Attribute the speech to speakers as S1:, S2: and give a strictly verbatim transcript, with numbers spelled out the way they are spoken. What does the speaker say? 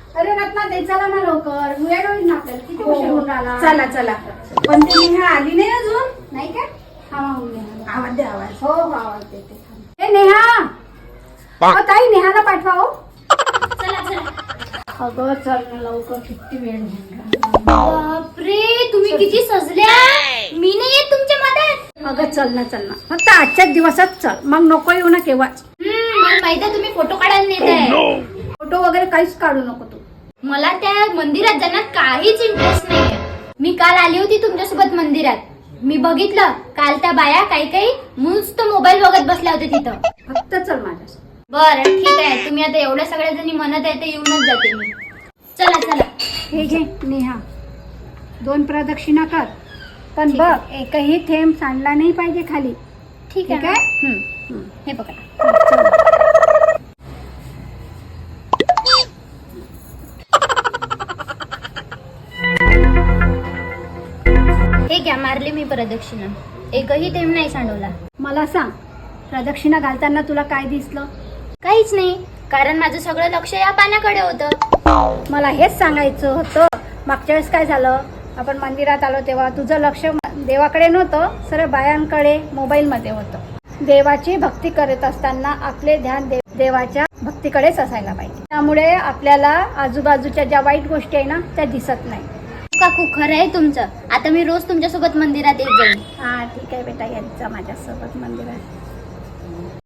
S1: अरे रत्ना ते चला ना लवकर वेळ होईल ना आपल्याला किती उशीर होऊन राहिला.
S2: चला चला. पण ती नेहा आली नाही अजून.
S1: नाही का हा मग नेहा
S2: आवाज दे आवाज.
S1: हो हो आवाज देते. ए नेहा अ, ताई नेहाला पाठवा हो.
S3: चला चला.
S1: अगं चल ना लवकर किती वेळ होऊन
S3: बापरे तुम्ही किती सजल्या. मी नाही येत तुमच्या मदत.
S1: अगं चल ना चल ना फक्त आजच्याच दिवसात चल मग नको येऊ ना केव्हाच.
S3: हम्म, मला माहिती आहे तुम्ही फोटो काढायला नेत आहे.
S1: फोटो वगैरे काहीच काढू नको तू.
S3: मला त्या मंदिरात जाण्यात काहीच इंटरेस्ट नाहीये. मी काल आली होती तुमच्यासोबत मंदिरात. मी बघितलं काल त्या बाया काही काही नुसतं मोबाईल बघत बसल्या होत्या तिथं.
S1: फक्त चल माझ्यासोबत.
S3: बरं ठीक आहे तुम्ही आता एवढ्या सगळ्या जणी म्हणत आहे तर येऊनच जाते मी. चला चला.
S1: हे घे नेहा दोन प्रदक्षिणा कर पण
S3: ठीक
S1: बघ एकही थेंब सांडला नाही पाहिजे खाली.
S3: ठीक
S1: ठीक
S3: आहे.
S1: आहे हम्म, हम्म.
S3: हे बघा. हे घ्या मारले मी प्रदक्षिणा. एकही थेंब नाही सांडवला.
S1: मला सांग प्रदक्षिणा घालताना तुला काय दिसलं.
S3: काहीच नाही कारण माझं सगळं लक्ष या पाण्याकडे होतं.
S1: मला हेच सांगायचं होतं. मागच्या वेळेस काय झालं आपण मंदिरात आलो तेव्हा तुझं लक्ष देवाकडे नव्हतं सरळ बायांकडे मोबाईलमध्ये होतं. देवाची भक्ती करत असताना आपले ध्यान देव देवाच्या भक्तीकडेच असायला पाहिजे. त्यामुळे आपल्याला आजूबाजूच्या ज्या वाईट गोष्टी आहे ना त्या दिसत नाही.
S3: काकू खरं आहे तुमचं. आता मी रोज तुमच्यासोबत मंदिरात येत जाईन.
S1: हा ठीक आहे बेटा यांचा माझ्यासोबत मंदिरात.